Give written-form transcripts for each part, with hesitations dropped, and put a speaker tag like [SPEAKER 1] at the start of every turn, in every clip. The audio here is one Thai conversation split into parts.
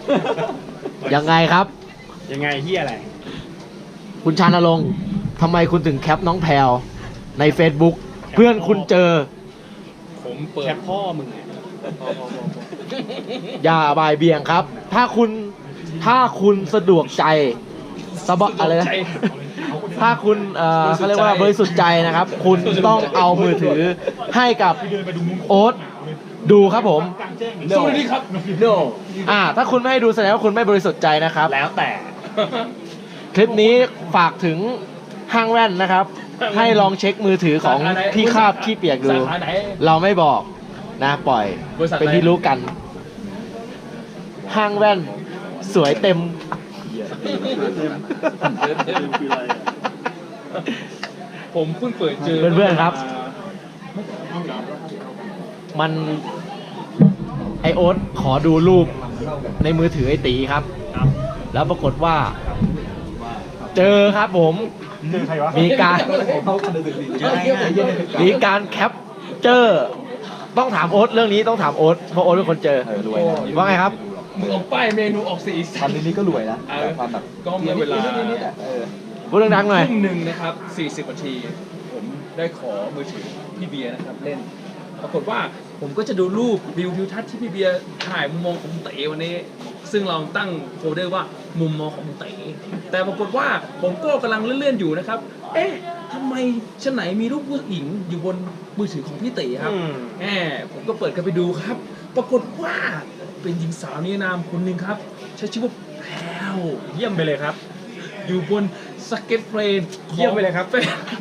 [SPEAKER 1] ยังไงครับ
[SPEAKER 2] ยังไงเฮียอะไร
[SPEAKER 1] คุณชานรงค์ทำไมคุณถึงแคปน้องแพลวใน Facebook เพื่อนคุณเจอ
[SPEAKER 2] ผมเปิดแคปพ่อมึงไง
[SPEAKER 1] อย่าบ่ายเบี่ยงครับ ถ้าคุณสะดวกใจอะไรนะถ้าคุณเขาเรียกว่าบริสุทธิ์ใจนะครับ คุณต้องเอามือถือให้กับโอ๊ตดูครับผม
[SPEAKER 2] สวัสดีครับ
[SPEAKER 1] no ถ้าคุณไม่ให้ดูแสดงว่าคุณไม่บริสุทธิ์ใจนะครับ
[SPEAKER 2] แล้วแต่
[SPEAKER 1] คลิปนี้ฝากถึงห้างแว่นนะครับ ให้ลองเช็คมือถือของพี่คาบขี้เปียกดู
[SPEAKER 2] สาขาไหน
[SPEAKER 1] เราไม่บอกนะปล่อย
[SPEAKER 2] บริษัทไหน
[SPEAKER 1] เป็นที่รู้กัน ห้างแว่นสวยเต็ม
[SPEAKER 2] ผมเพิ่งเปิดเจอ
[SPEAKER 1] เพื่อนๆครับ มันไอโอ๊ตขอดูรูปในมือถือไอตีครับ แล้วปรากฏว่า เจอครับผม มีการแคปเจอร์ต้องถามโอ๊ตเรื่องนี้ต้องถามโอ๊ตเพราะโอ๊ตเป็นคนเจอว่าไงครับ
[SPEAKER 2] มึงเอาป้ายเมนูออกสีสัน
[SPEAKER 3] ทำนี้ก็รวยนะความแบบ
[SPEAKER 2] ก็เมื่อเวลา
[SPEAKER 1] พูดดังๆหน่อย
[SPEAKER 2] ทุ่มหนึ่งนะครับ40 นาที ผมได้ขอมือถือพี่เบียร์นะครับเล่น ปรากฏว่าผมก็จะดูรูปวิวทิวทัศน์ที่พี่เบียร์ถ่ายมุมมองของเต๋วันนี้ ซึ่งเราตั้งโฟลเดอร์ว่ามุมมองของเต๋แต่ปรากฏว่าผมก็กำลังเลื่อนๆอยู่นะครับ เอ๊ะทำไมชั้นไหนมีรูปผู้หญิงอยู่บนมือถือของพี่เต๋ครับผมก็เปิดกันไปดูครับ ปรากฏว่าเป็นหญิงสาวนิรนามคนหนึ่งครับ ใช้ชื่อว่าแพรวเยี่ยมไปเลยครับ อยู่บนสเก็ตเพลนเยี่ยมไปเลยครับ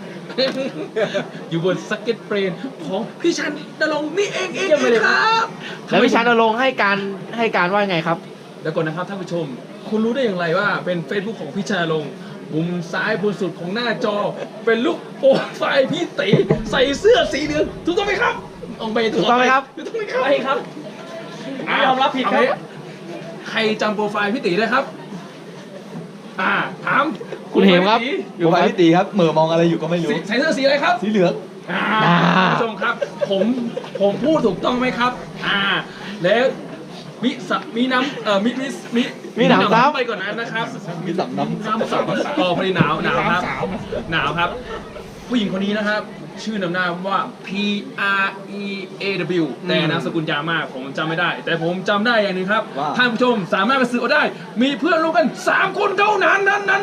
[SPEAKER 2] อยู่บนสเก็ตเพลนของพี่ชันนรงค์นี่เองครับ
[SPEAKER 1] แล้วพี่ชานรงค์ให้การว่าไงครับ
[SPEAKER 2] แล้วก่อนนะครับท่านผู้ชม คุณรู้ได้อย่างไรว่าเป็น Facebook ของพี่ชันนรงค์มุมซ้ายบนสุดของหน้าจอ เป็นรูปโปรไฟล์พี่ตีใส่เสื้อสีเหลืองถูกต้องไหมครับถูกต้องไหมครับ
[SPEAKER 4] ใช่ครับยอมรับผิดครับ
[SPEAKER 2] ใครจำโปรไฟล์พี่ตีได้ครับ ถาม
[SPEAKER 1] คุณเหมครับ
[SPEAKER 3] อยู่ไปพี่ตีครับเหม่อมองอะไรอยู่ก็ไม่รู้
[SPEAKER 2] ใส่เสื้อสีอะไรครับ
[SPEAKER 3] สีเหลือง
[SPEAKER 2] ท่านผู้ชมครับ ผมพูดถูกต้องไหมครับ แล้วมีน้ำมีน้ำซ้ำไปก่อนนั้นนะครับ
[SPEAKER 3] มีสำน้ำ
[SPEAKER 2] น้ำซ้ำพอดีหนาวครับหนาวครับ ผู้หญิงคนนี้นะครับ ชื่อนำหน้าว่า PREAW แต่นามสกุลยาวมากผมจำไม่ได้ แต่ผมจำได้อย่างหนึงครับท่านผู้ชมสามารถไปสืบเอาได้ มีเพื่อนร่วมกัน3 คนเท่านั้น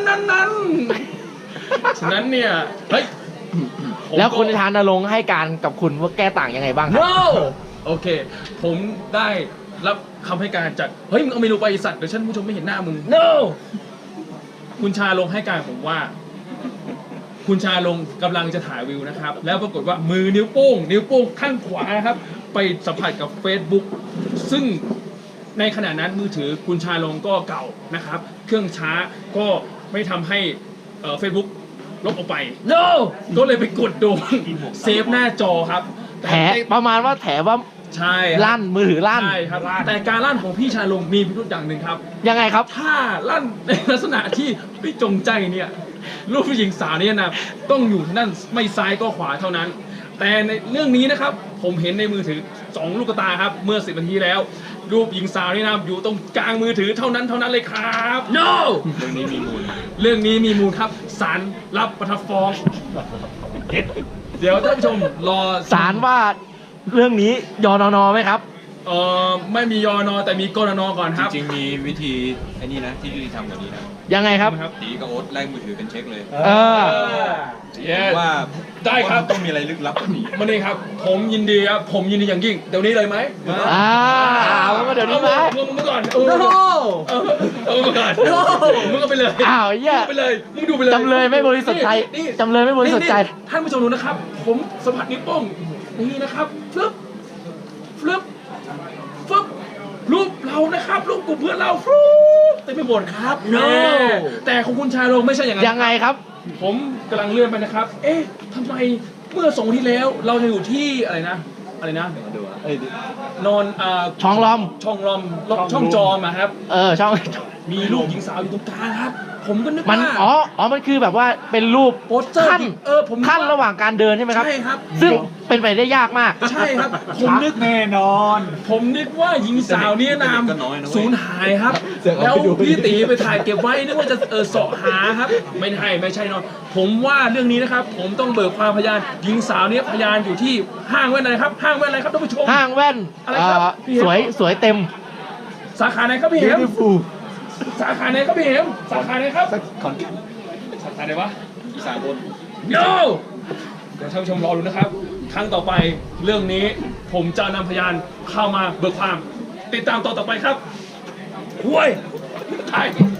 [SPEAKER 2] ฉะนั้นเนี่ยเฮ้ย
[SPEAKER 1] แล้วคุณชานรงค์ให้การกับคุณว่าแก้ต่างยังไงบ้างครับ
[SPEAKER 2] no โอเค ผมได้รับคำให้การจากเฮ้ยมึงเอาเมนูไปสัตว์เดี๋ยวฉันผู้ชมไม่เห็นหน้ามึง no คุณชาลงให้การผมว่า คุณชาลงกำลังจะถ่ายวิวนะครับ แล้วปรากฏว่ามือนิ้วโป้งข้างขวานะครับ ไปสัมผัสกับ Facebook ซึ่งในขณะนั้นมือถือคุณชาลงก็เก่านะครับ เครื่องช้าก็ไม่ทำให้Facebook ลบออกไป no ก็เลยไปกดโดนเซฟหน้าจอครับ
[SPEAKER 1] แถประมาณว่าแถว่า
[SPEAKER 2] ใช่ครับ
[SPEAKER 1] ลั่นมือถือลั่น
[SPEAKER 2] ใช่ครับ แต่การลั่นของพี่ชาลงมีพิรุธอย่างหนึ่งครับ
[SPEAKER 1] ยังไงครับ
[SPEAKER 2] ถ้าลั่นในลักษณะที่ไม่จงใจเนี่ยรูปผู้หญิงสาวเนี่ยนะต้องอยู่นั่นไม่ซ้ายก็ขวาเท่านั้น แต่ในเรื่องนี้นะครับผมเห็นในมือถือ2 ลูกตาครับเมื่อ10 นาทีแล้ว รูปหญิงสาวนี่นะอยู่ตรงกลางมือถือเท่านั้นเลยครับ no เรื่องนี้มีมูลครับศาลรับประทับฟ้องเดี๋ยวท่านผู้ชมรอ
[SPEAKER 1] ศาลว่าเรื่องนี้ยนนไหมครับ
[SPEAKER 2] ไม่มียอนอแต่มีกรนก่อนครับ
[SPEAKER 5] จริงๆมีวิธีไอ้นี่นะที่ยุติธรรมกว่านี้นะ
[SPEAKER 1] ยังไงครับ
[SPEAKER 5] ตีกับโอ๊ตแลกมือถือเป็นเช็คเลย
[SPEAKER 2] Yes
[SPEAKER 5] ว่า
[SPEAKER 2] ได้ครับ
[SPEAKER 5] ต้องมีอะไรลึกลับกว่านี้
[SPEAKER 2] มานี่ครับผมยินดีครับผมยินดีอย่างยิ่งเดี๋ยวนี้เลยไหม
[SPEAKER 1] เอาเดี๋ยวนี้ไหม
[SPEAKER 2] มึงก่อนมึงก่อนมึงก็ไปเลย
[SPEAKER 1] อ้าวเหี้ย
[SPEAKER 2] ไปเลยมึงดูไปเลย
[SPEAKER 1] จำเลยไม่บริสุทธิ์ใจ
[SPEAKER 2] นี่
[SPEAKER 1] จำเลยไม่บริสุทธิ์ใจ
[SPEAKER 2] นี่ท่านผู้ชมดูนะครับ ผมสัมผัสนิ้วโป้งนี่นะครับฟึบรูปเรานะครับรูปกลุ่มเพื่อนเราฟึบเต็มไปหมดครับ
[SPEAKER 1] No
[SPEAKER 2] แต่ของคุณชาลงไม่ใช่อย่างนั้น
[SPEAKER 1] ยังไงครับ
[SPEAKER 2] ผมกำลังเลื่อนไปนะครับ เอ๊ะทำไมเมื่อ2 วันที่แล้วเราจะอยู่ที่อะไรนะ
[SPEAKER 3] มาดูเอ้ย
[SPEAKER 2] นอน
[SPEAKER 1] ช่องลอม
[SPEAKER 2] ช่องลอมช่องจอมอะครับ
[SPEAKER 1] ช่อง
[SPEAKER 2] มีรูปหญิงสาวอยู่ตรงกลางครับ ผมก็นึก
[SPEAKER 1] มัน
[SPEAKER 2] ว่า
[SPEAKER 1] อ๋อมันคือแบบว่าเป็นรูป
[SPEAKER 2] โปสเตอร์
[SPEAKER 1] ขั้น
[SPEAKER 2] ที่ผมนึก
[SPEAKER 1] ขั้นระหว่างการเดินใช่ไหมครับ
[SPEAKER 2] ใช่ครับ
[SPEAKER 1] ซึ่งเป็นไปได้ยากมาก
[SPEAKER 2] ใช่ครับ ผมนึก
[SPEAKER 4] แน่นอน
[SPEAKER 2] ผมนึกว่าหญิงสาวเนี่ยนาม
[SPEAKER 5] ก็น้อยนะเว้ย
[SPEAKER 2] สูญหายครับ แล้วพี่ตีไปถ่ายเก็บไว้นึกว่าจะเสาะหาครับ ไม่ใช่นอนผมว่าเรื่องนี้นะครับ ผมต้องเบิกความพยานหญิงสาวเนี่ยพยานอยู่ที่ห้างแว่นอะไรครับ ห้างแว่นอะไรครับท่านผู้ชม
[SPEAKER 1] ห้างแว่น
[SPEAKER 2] อะไรครับพี่เห็ม
[SPEAKER 1] สวยเต็ม
[SPEAKER 2] สาขาไหนครับพี่เหมสาขาไหนครับพี่เหมสาขาไหนครับ
[SPEAKER 3] ขอนแก่น
[SPEAKER 2] สาขาไหนวะ
[SPEAKER 5] อีสานบน
[SPEAKER 2] โย่เดี๋ยวท่านผู้ชมรอดูนะครับ ครั้งต่อไปเรื่องนี้ผมจะนำพยานเข้ามาเบิกความ ติดตามตอนต่อไปครับห่วย